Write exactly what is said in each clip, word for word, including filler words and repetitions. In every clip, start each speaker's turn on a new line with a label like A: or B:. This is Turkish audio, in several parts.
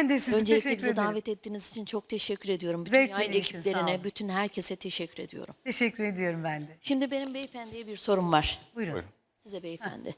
A: Ben de size
B: Öncelikle
A: teşekkür
B: bizi
A: ederim.
B: davet ettiğiniz için çok teşekkür ediyorum. Bütün
A: Zevkle
B: yayın
A: benim için, sağ
B: ekiplerine,
A: olun.
B: bütün herkese teşekkür ediyorum.
A: Teşekkür ediyorum ben de.
B: Şimdi benim beyefendiye bir sorum var.
A: Buyurun.
C: Buyurun.
B: Size beyefendi.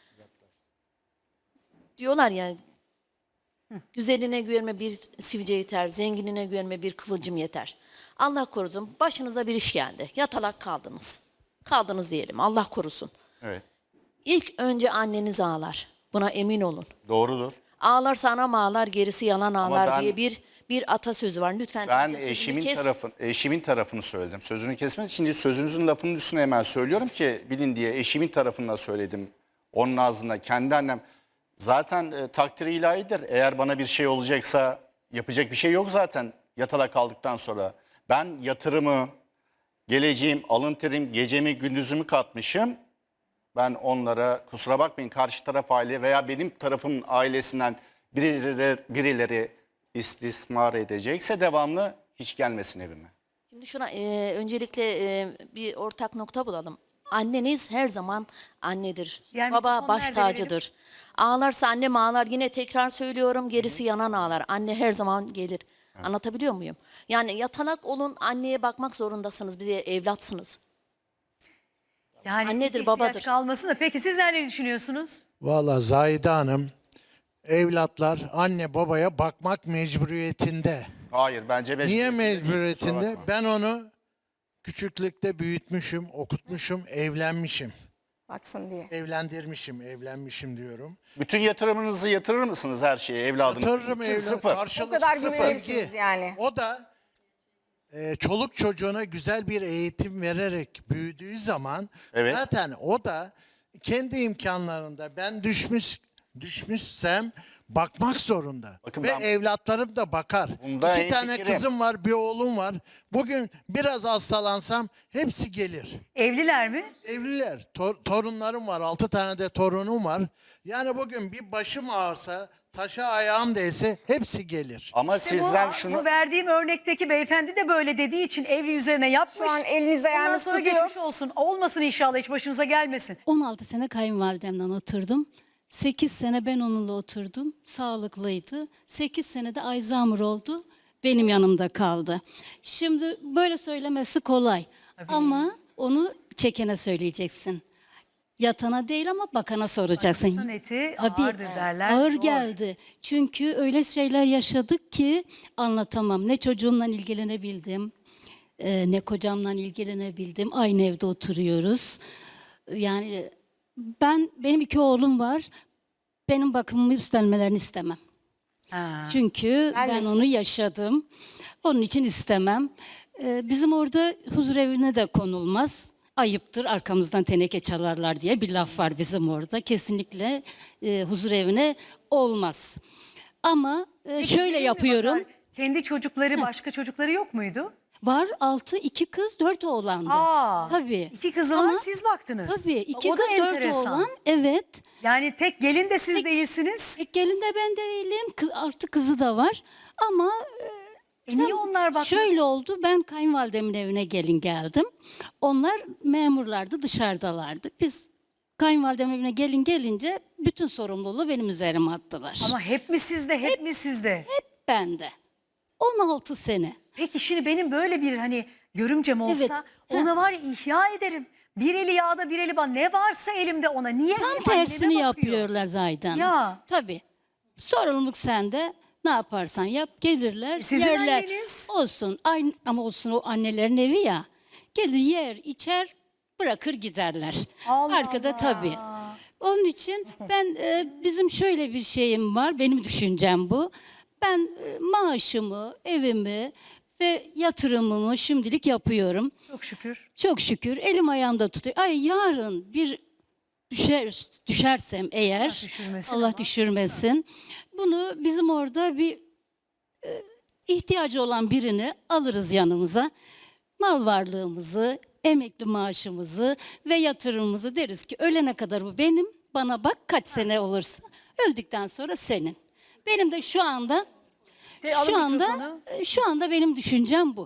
B: Diyorlar ya, güzeline güvenme bir sivilce yeter, zenginine güvenme bir kıvılcım yeter. Allah korusun, başınıza bir iş geldi. Yatalak kaldınız. Kaldınız diyelim, Allah korusun.
C: Evet.
B: İlk önce anneniz ağlar. Buna emin olun.
C: Doğrudur.
B: Ağlarsa anam ağlar, gerisi yalan ağlar
C: ben-
B: diye bir bir atasözü var. Lütfen
C: Ben
B: atasözünü
C: eşimin
B: kes.
C: tarafın eşimin tarafını söyledim. Sözünü kesmez. Şimdi sözünüzün lafının üstüne hemen söylüyorum ki bilin diye eşimin tarafında söyledim. Onun ağzına kendi annem. Zaten e, takdiri ilahidir. Eğer bana bir şey olacaksa yapacak bir şey yok zaten yatalak kaldıktan sonra. Ben yatırımı, geleceğim, alın terim, gecemi, gündüzümü katmışım. Ben onlara kusura bakmayın karşı taraf aile veya benim tarafımın ailesinden birileri, birileri istismar edecekse devamlı hiç gelmesin evime.
B: Şimdi şuna e, öncelikle e, bir ortak nokta bulalım. Anneniz her zaman annedir.
A: Yani
B: Baba
A: mikrofon
B: baş
A: nerede
B: tacıdır. Ağlarsa annem ağlar. Yine tekrar söylüyorum, gerisi yanan ağlar. Anne her zaman gelir. Anlatabiliyor muyum? Yani yatalak olun, anneye bakmak zorundasınız. Bize evlatsınız.
A: Yani
B: Annedir,
A: hiç ihtiyaç
B: babadır.
A: kalmasın da. Peki sizler ne düşünüyorsunuz?
D: Vallahi Zahide Hanım, evlatlar anne babaya bakmak mecburiyetinde.
C: Hayır bence beş
D: Niye
C: Kusura
D: mecburiyetinde?
C: bakma.
D: Ben onu küçüklükte büyütmüşüm, okutmuşum, evlenmişim.
E: Baksın diye.
D: Evlendirmişim, evlenmişim diyorum.
C: Bütün yatırımınızı yatırır mısınız her şeye evladınız?
D: Yatırırım
C: Bütün
D: evlat,
C: sıfır.
D: karşılık
E: O kadar
D: sıfır.
E: güvenirsiniz yani.
D: O da e, çoluk çocuğuna güzel bir eğitim vererek büyüdüğü zaman
C: Evet.
D: zaten o da kendi imkanlarında ben düşmüş düşmüşsem bakmak zorunda.
C: Bakın
D: Ve
C: ben-
D: evlatlarım da bakar.
C: Bunda
D: İki tane
C: hemfikirim.
D: kızım var, bir oğlum var. Bugün biraz hastalansam hepsi gelir.
A: Evliler mi?
D: Evliler, tor- torunlarım var, altı tane de torunum var. Yani bugün bir başım ağrısa, taşa ayağım değse hepsi gelir.
C: Ama
A: İşte
C: sizden
A: bu,
C: şunu...
A: bu verdiğim örnekteki beyefendi de böyle dediği için evli üzerine yapmış.
E: Şu an eliniz
A: Ondan
E: ayağınız
A: sonra
E: tutuyor.
A: geçmiş olsun. Olmasın inşallah, hiç başınıza gelmesin.
F: on altı sene kayınvalidemden oturdum. sekiz sene ben onunla oturdum. Sağlıklıydı. sekiz sene de Alzheimer oldu. Benim yanımda kaldı. Şimdi böyle söylemesi kolay. Ama onu çekene söyleyeceksin. Yatana değil ama bakana soracaksın.
A: İnsan eti
F: Tabii,
A: ağırdır derler.
F: ağır
A: Zor.
F: geldi. Çünkü öyle şeyler yaşadık ki anlatamam. Ne çocuğumla ilgilenebildim, e, ne kocamla ilgilenebildim. Aynı evde oturuyoruz. Yani ben benim iki oğlum var. Benim bakımımı üstlenmelerini istemem.
A: Ha.
F: Çünkü
E: Ben de
F: ben,
E: istemem.
F: onu yaşadım. Onun için istemem. Ee, bizim orada huzur evine de konulmaz. Ayıptır arkamızdan teneke çalarlar diye bir laf var bizim orada. Kesinlikle e, huzur evine olmaz. Ama e,
A: Peki,
F: şöyle
A: değil mi
F: yapıyorum.
A: bakar, kendi çocukları, başka çocukları yok muydu?
F: Var altı, iki kız, dört oğlandı.
A: Aa,
F: Tabii.
A: İki kızı
F: Ama-
A: var, siz baktınız.
F: Tabii iki
A: O da
F: kız, dört
A: enteresan.
F: oğlan. Evet.
A: Yani tek gelin de siz değilsiniz.
F: Tek gelin de ben değilim. Kız, artı kızı da var. Ama e,
A: E niye onlar bakmadı?
F: şöyle oldu. Ben kayınvalidemin evine gelin geldim. Onlar memurlardı, dışarıdalardı. Biz kayınvalidemin evine gelin gelince bütün sorumluluğu benim üzerime attılar.
A: Ama hep mi sizde, hep, mi sizde?
F: Hep bende. on altı sene.
A: Peki şimdi benim böyle bir hani görümcem olsa
F: Evet,
A: ona var ya ihya ederim. Bir eli yağda bir eli bana. Ne varsa elimde ona. Niye?
F: Tam
A: anneme
F: tersini
A: bakıyor?
F: yapıyorlar Zaydan.
A: Ya.
F: Tabii. Sorumluluk sende. Ne yaparsan yap gelirler,
A: Sizin
F: yerler.
A: anneniz.
F: Olsun. Aynı, ama olsun o annelerin evi ya. Gelir yer, içer, bırakır giderler.
A: Allah
F: Arkada
A: Allah.
F: tabii. Onun için ben e, bizim şöyle bir şeyim var. Benim düşüncem bu. Ben e, maaşımı, evimi ve yatırımımı şimdilik yapıyorum.
A: Çok şükür.
F: Çok şükür elim ayağımda tutuyor. Ay yarın bir düşer düşersem eğer
A: Allah düşürmesin
F: Allah
A: ama.
F: düşürmesin. Bunu bizim orada bir e, ihtiyacı olan birini alırız yanımıza. Mal varlığımızı, emekli maaşımızı ve yatırımımızı deriz ki ölene kadar bu benim. Bana bak kaç sene olursa. Öldükten sonra senin. Benim de şu anda
A: Şey, alın
F: şu anda
A: mikrofonu.
F: şu anda benim düşüncem bu.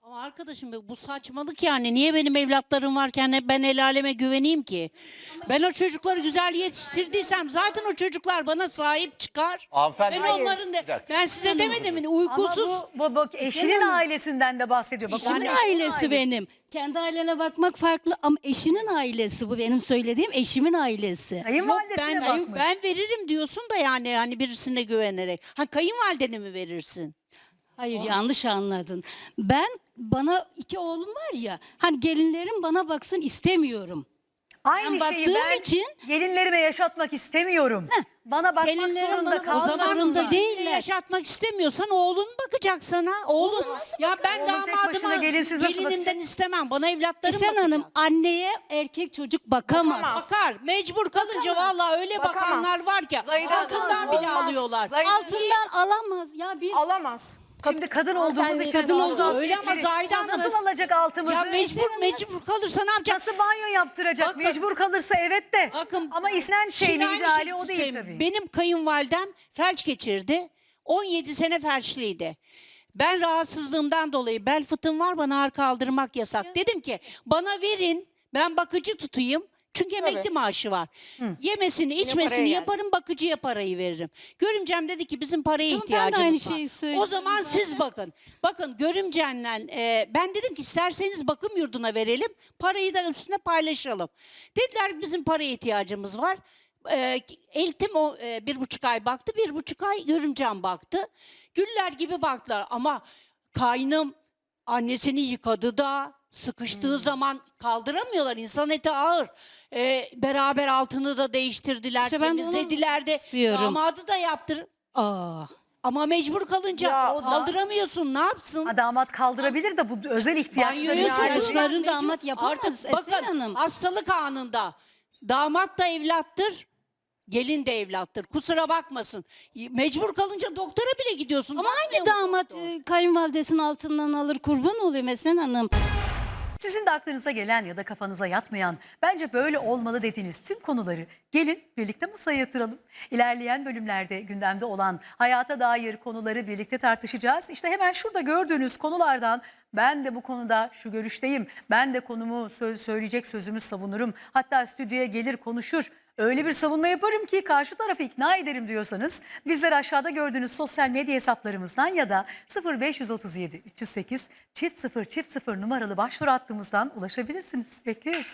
G: Ama arkadaşım bu saçmalık yani. Niye benim evlatlarım varken ben el aleme güveneyim ki? Ben o çocukları güzel yetiştirdiysem zaten o çocuklar bana sahip çıkar.
C: Hanımefendi-
G: Ben
C: Hayır.
G: onların da,
C: Bir dakika.
G: ben size demedim mi uykusuz.
A: Ama bu, bu, bak eşinin ailesinden de bahsediyor. Bak,
F: Eşimin
A: onun
F: ailesi benim. Kendi ailene bakmak farklı ama eşinin ailesi bu benim söylediğim eşimin ailesi.
G: Yok
A: Kayınvalidesine
G: ben,
A: bakmış.
G: ben veririm diyorsun da yani hani birisine güvenerek. Ha kayınvalidene mi verirsin?
F: Hayır yanlış anladın. Ben bana iki oğlum var ya hani gelinlerim bana baksın istemiyorum.
A: Aynı
F: ben
A: şeyi
F: baktığım
A: ben
F: için-
A: gelinlerime yaşatmak istemiyorum. Bana bakmak
F: Gelinlerim
A: zorunda
F: bana-
G: O
A: kalmasınlar.
G: zaman
F: zorunda
G: zorunda
F: değiller.
G: yaşatmak istemiyorsan oğlun bakacak sana. Oğlun. Ya ben
A: Oğlum tek başına
G: damadıma
A: gelinsiz nasıl
G: gelinimden
A: bakacak?
G: istemem. Bana evlatlarım
F: Sen
G: bakacak.
F: Hanım anneye erkek çocuk bakamaz.
E: Bakamaz.
G: Bakar. Mecbur kalınca vallahi öyle
E: Bakamaz.
G: bakanlar var ki
A: Zahide
G: altından
A: Hanım,
G: bile
E: olmaz.
G: alıyorlar.
A: Zahide-
F: Altından alamaz ya bir
E: Alamaz.
A: Şimdi kadın olduğumuz
E: Hanımefendi,
A: için
E: kadın
A: bazı
E: olduğu-
G: öyle ama
A: hassasiyetleri-
G: Zahide Hanım-
A: Nasıl alacak altımızı?
G: Ya mecbur mecbur kalırsa ne yapacak?
A: Nasıl banyo yaptıracak?
G: Bakın-
A: Mecbur kalırsa evet de.
G: Bakın,
A: Ama istenen
G: şimdi
A: şeyin
G: aynı
A: ideali
G: şeyi
A: o değil
G: söyleyeyim.
A: tabii.
G: Benim kayınvalidem felç geçirdi. on yedi sene felçliydi. Ben rahatsızlığımdan dolayı bel fıtığım var bana ağır kaldırmak yasak. Dedim ki bana verin ben bakıcı tutayım. Çünkü emekli maaşı var. Yemesini içmesini
E: paraya
G: yaparım bakıcıya parayı veririm. Görümcem dedi ki bizim paraya
F: Tamam, ben de
G: ihtiyacımız
F: aynı
G: var.
F: şeyi söyledim
G: O zaman siz bakın. Bakın görümcenle e, ben dedim ki isterseniz bakım yurduna verelim. Parayı da üstüne paylaşalım. Dediler ki bizim paraya ihtiyacımız var. E, Eltim o e, bir buçuk ay baktı. Bir buçuk ay görümcem baktı. Güller gibi baktılar ama kaynım annesini yıkadı da sıkıştığı
F: Hmm.
G: zaman kaldıramıyorlar. İnsan eti ağır. Ee, beraber altını da değiştirdiler,
F: İşte ben de onu
G: temizlediler de.
F: istiyorum.
G: Damadı da yaptır.
F: Aa.
G: Ama mecbur kalınca
E: Ya,
G: o kaldıramıyorsun. Ne yapsın?
A: Ha, damat kaldırabilir de bu özel ihtiyaçları.
G: Banyoya
E: Yani-
G: sokuyorlar,
F: İhtiyaçlarını
G: mecbur.
F: damat yapamaz,
G: Artık
F: Esen
G: bakın
F: Hanım.
G: hastalık anında damat da evlattır. Gelin de evlattır. Kusura bakmasın. Mecbur kalınca doktora bile gidiyorsun.
F: Ama
G: Bakmıyor
F: hangi
G: mu
F: damat
G: doktor?
F: e, kayınvalidesinin altından alır kurban oluyor Esen Hanım.
A: Sizin de aklınıza gelen ya da kafanıza yatmayan, bence böyle olmalı dediğiniz tüm konuları gelin birlikte masaya yatıralım. İlerleyen bölümlerde gündemde olan hayata dair konuları birlikte tartışacağız. İşte hemen şurada gördüğünüz konulardan ben de bu konuda şu görüşteyim, ben de konumu sö- söyleyecek sözümü savunurum. Hatta stüdyoya gelir konuşur. Öyle bir savunma yaparım ki karşı tarafı ikna ederim diyorsanız bizler aşağıda gördüğünüz sosyal medya hesaplarımızdan ya da sıfır beş otuz yedi üç yüz sekiz çift sıfır çift sıfır numaralı başvuru hattımızdan ulaşabilirsiniz. Bekliyoruz.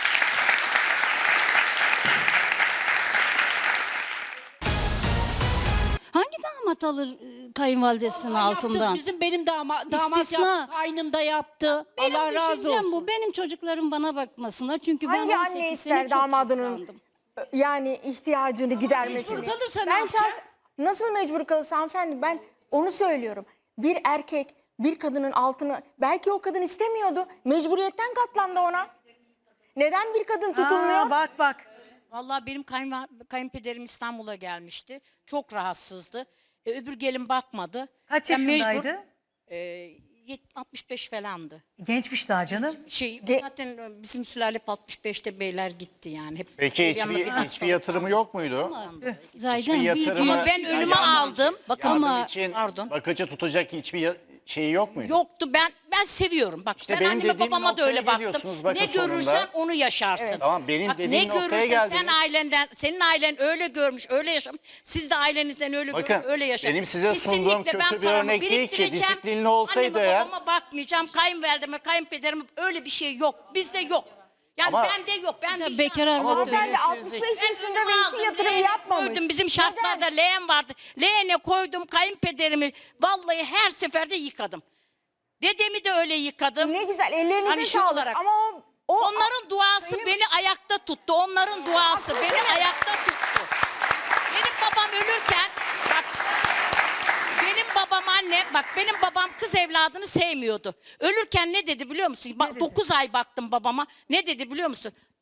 F: Hangi damat alır e, kayınvalidesinin
G: Yaptı,
F: altından?
G: Bizim benim dama, damat
F: İstisna.
G: yaptı. Kaynım da yaptı.
F: Benim
G: Allah razı
F: düşüncem
G: olsun.
F: bu. Benim çocuklarım bana bakmasınlar. Çünkü ben
E: Hangi
F: on
E: anne
F: sekiz sene
E: ister
F: çok
E: damadının
F: yıprandım.
E: yani ihtiyacını gidermesini?
G: mecbur kalırsa ne
E: ben
G: yapacak?
E: şahs- nasıl mecbur kalırsa hanımefendi ben onu söylüyorum. Bir erkek bir kadının altını belki o kadın istemiyordu. Mecburiyetten katlandı ona. Neden bir kadın tutulmuyor?
A: Aa, bak bak.
H: Vallahi benim kayınva- kayınpederim İstanbul'a gelmişti. Çok rahatsızdı. E, öbür gelin bakmadı.
A: Kaç
H: Ben mecbur-
A: yaşındaydı?
H: e, yet- altmış beş falandı.
A: Gençmiş daha canım.
H: Şey
E: Ge-
H: zaten e, bizim sülale hep altmış beşte beyler gitti yani. Hep
C: Peki
H: bir yanına bir
C: hiçbir, hiçbir
H: hastalık
C: yatırımı yok muydu?
F: Zaten
C: Hiçbir
F: büyük
C: yatırımı-
H: Ama ben
C: Ya
H: önüme
C: yardım-
H: aldım. Bakın
C: Yardım
F: Ama-
C: için
H: Pardon.
C: bakıcı tutacak hiçbir ya- şeyi yok muydu?
H: Yoktu ben ben seviyorum. Bak
C: İşte
H: ben
C: benim
H: anneme
C: dediğim
H: babama da
C: noktaya
H: öyle baktım.
C: geliyorsunuz bakın
H: Ne görürsen
C: sonunda.
H: onu yaşarsın.
C: Tamam, benim
H: Bak,
C: dediğim
H: ne
C: noktaya
H: görürsen
C: geldiniz.
H: sen ailenden, senin ailen öyle görmüş, öyle yaşamış. Siz de ailenizden öyle
C: Bakın,
H: görmüş, öyle yaşamış.
C: benim size sunduğum
H: Kesinlikle
C: kötü
H: ben
C: bir
H: paramı
C: örnek değil ki.
H: biriktireceğim,
C: Disiplinli olsaydı
H: anneme,
C: eğer-
H: babama bakmayacağım, kayınvalideme, kayınpederime öyle bir şey yok. Bizde yok. Yani
C: Ama-
H: bende yok. Ben
F: Ya
H: bir
F: bekar
C: Ama
F: arvat
C: bu
F: da-
E: Hanımefendi
C: bilinçsizlik.
E: altmış beş
H: ben
E: yaşında
H: önüme
E: ve hiçbir
H: aldım,
E: yatırım
H: leğene
E: yapmamış.
H: Koydum. Bizim
E: Neden?
H: şartlarda leğen vardı. Leğene koydum kayınpederimi. Vallahi her seferde yıkadım. Dedemi de öyle yıkadım.
E: Ne güzel ellerinize
H: Hani şu
E: sağlık
H: olarak.
E: ama o, o
H: Onların duası
E: Benim-
H: beni ayakta tuttu. Onların duası beni ayakta tuttu. Benim babam ölürken bak benim babam anne bak benim babam kız evladını sevmiyordu. Ölürken ne dedi biliyor musun? Bak dokuz ay baktım babama. Ne dedi biliyor musun?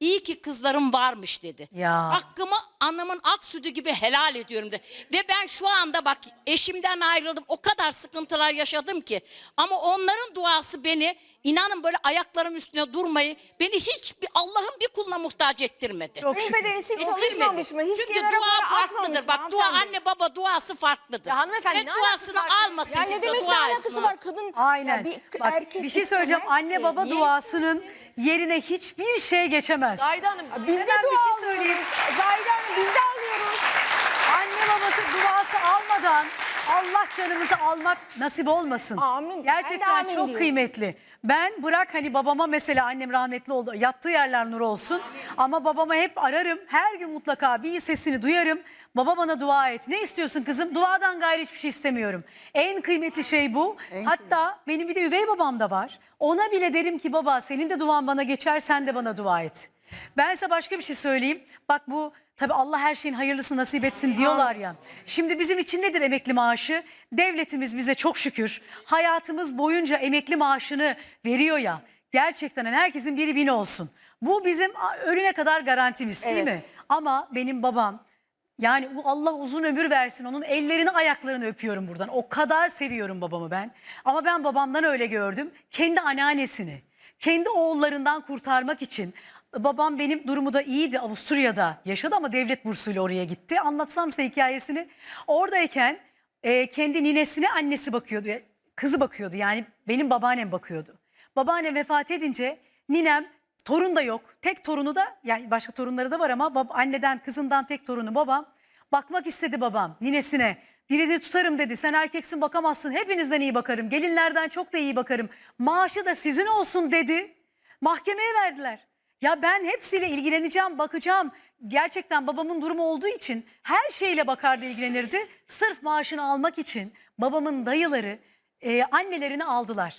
H: İyi ki kızlarım varmış dedi.
A: Ya.
H: Hakkımı anamın ak sütü gibi helal ediyorum dedi. Ve ben şu anda bak eşimden ayrıldım. O kadar sıkıntılar yaşadım ki. Ama onların duası beni, inanın böyle ayaklarım üstüne durmayı, beni hiçbir Allah'ın bir kuluna muhtaç ettirmedi.
A: Çok şükür.
E: Kayınpederiniz hiç
H: Ettirmedi.
E: çalışmamış mı? Hiç
H: Çünkü
E: kenara
H: dua
E: para
H: farklıdır.
E: atmamış
H: Bak
E: mı
H: dua
E: hanımefendi?
H: anne baba duası farklıdır.
I: Ya hanımefendi,
H: Ve
I: ne alakası
H: duasını
I: var?
H: almasın.
E: Ya ne
H: kimse,
E: demek ne
H: dua
E: alakası
H: etsin.
E: var? Kadın
A: Aynen.
E: ya bir
A: Bak,
E: erkek
A: bir şey söyleyeceğim.
E: istemez
A: Anne
E: ki.
A: baba
E: Niye
A: duasının yerine hiçbir şey geçemez.
I: Zahide Hanım,
E: Biz de
A: Hemen bir
E: dua
A: şey söyleyeyim.
E: alıyoruz. Zahide Hanım biz de alıyoruz.
A: Anne babası duası almadan Allah canımızı almak nasip olmasın.
E: Amin. Ben de
A: Gerçekten
E: amin
A: çok
E: diyorum.
A: kıymetli. Ben bırak hani babama mesela annem rahmetli oldu. Yattığı yerler nur olsun. Ama babama hep ararım. Her gün mutlaka bir sesini duyarım. Baba bana dua et. Ne istiyorsun kızım? Duadan gayrı hiçbir şey istemiyorum. En kıymetli şey bu. Hatta benim bir de üvey babam da var. Ona bile derim ki baba senin de duan bana geçer, sen de bana dua et. Ben size başka bir şey söyleyeyim. Bak bu tabii Allah her şeyin hayırlısını nasip etsin diyorlar ya. Şimdi bizim için nedir emekli maaşı? Devletimiz bize çok şükür hayatımız boyunca emekli maaşını veriyor ya. Gerçekten hani herkesin biri bini olsun. Bu bizim ölüne kadar garantimiz değil
E: Evet.
A: mi? Ama benim babam, yani bu Allah uzun ömür versin, onun ellerini ayaklarını öpüyorum buradan. O kadar seviyorum babamı ben. Ama ben babamdan öyle gördüm. Kendi anneannesini, kendi oğullarından kurtarmak için. Babam benim durumu da iyiydi. Avusturya'da yaşadı ama devlet bursuyla oraya gitti. Anlatsam size hikayesini. Oradayken e, kendi ninesine annesi bakıyordu. e, Kızı bakıyordu, yani benim babaannem bakıyordu. Babaannem vefat edince ninem, torun da yok. Tek torunu da, yani başka torunları da var ama bab, anneden kızından tek torunu babam. Bakmak istedi babam ninesine. Birini tutarım dedi. Sen erkeksin bakamazsın. Hepinizden iyi bakarım. Gelinlerden çok da iyi bakarım. Maaşı da sizin olsun dedi. Mahkemeye verdiler. Ya ben hepsiyle ilgileneceğim, bakacağım. Gerçekten babamın durumu olduğu için her şeyle bakardı, ilgilenirdi. Sırf maaşını almak için babamın dayıları e, annelerini aldılar.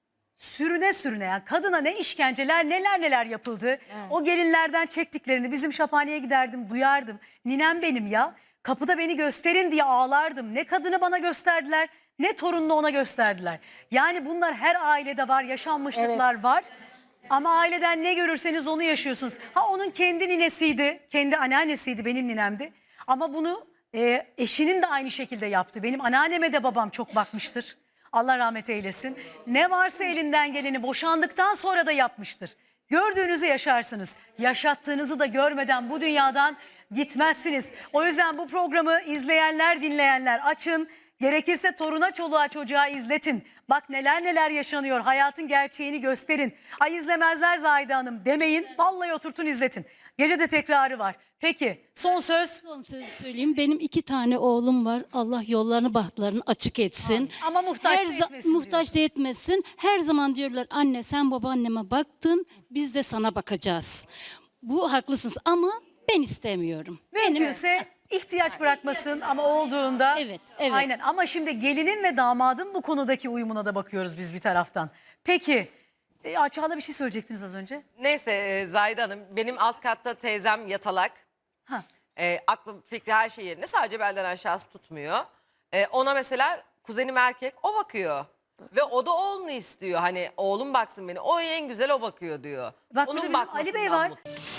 A: Sürüne sürüne, yani kadına ne işkenceler, neler neler yapıldı. O gelinlerden çektiklerini bizim şaphaneye giderdim, duyardım. Ninem benim ya. Kapıda beni gösterin diye ağlardım. Ne kadını bana gösterdiler, ne torununu ona gösterdiler. Yani bunlar her ailede var, yaşanmışlıklar var. Ama aileden ne görürseniz onu yaşıyorsunuz. Ha onun kendi ninesiydi, kendi anneannesiydi, benim ninemdi. Ama bunu e, eşinin de aynı şekilde yaptı. Benim anneanneme de babam çok bakmıştır. Allah rahmet eylesin. Ne varsa elinden geleni boşandıktan sonra da yapmıştır. Gördüğünüzü yaşarsınız. Yaşattığınızı da görmeden bu dünyadan gitmezsiniz. O yüzden bu programı izleyenler, dinleyenler açın. Gerekirse toruna, çoluğa, çocuğa izletin. Bak neler neler yaşanıyor. Hayatın gerçeğini gösterin. Ay izlemezler Zahide Hanım demeyin. Vallahi oturtun izletin. Gece de tekrarı var. Peki son söz.
F: Son sözü söyleyeyim. Benim iki tane oğlum var. Allah yollarını bahtlarını açık etsin.
A: Ama muhtaç da
F: Her za-
A: etmesin
F: muhtaç da etmesin. Her zaman diyorlar anne sen babaanneme baktın biz de sana bakacağız. Bu haklısınız ama ben istemiyorum.
A: Mümkünse ihtiyaç bırakmasın ama olduğunda.
F: Evet, evet.
A: Aynen, ama şimdi gelinin ve damadın bu konudaki uyumuna da bakıyoruz biz bir taraftan. Peki e, Çağla bir şey söyleyecektiniz az önce.
I: neyse e, Zahide Hanım, benim alt katta teyzem yatalak.
A: Ha.
I: E, aklım fikri her şey yerinde, sadece belden aşağısı tutmuyor. E, ona mesela kuzenim erkek, o bakıyor. Ve o da oğlunu istiyor. Hani oğlum baksın beni. O en güzel o bakıyor diyor.
A: Bak burada bizim Ali Bey
I: bakmasından
A: var.
I: mutlu.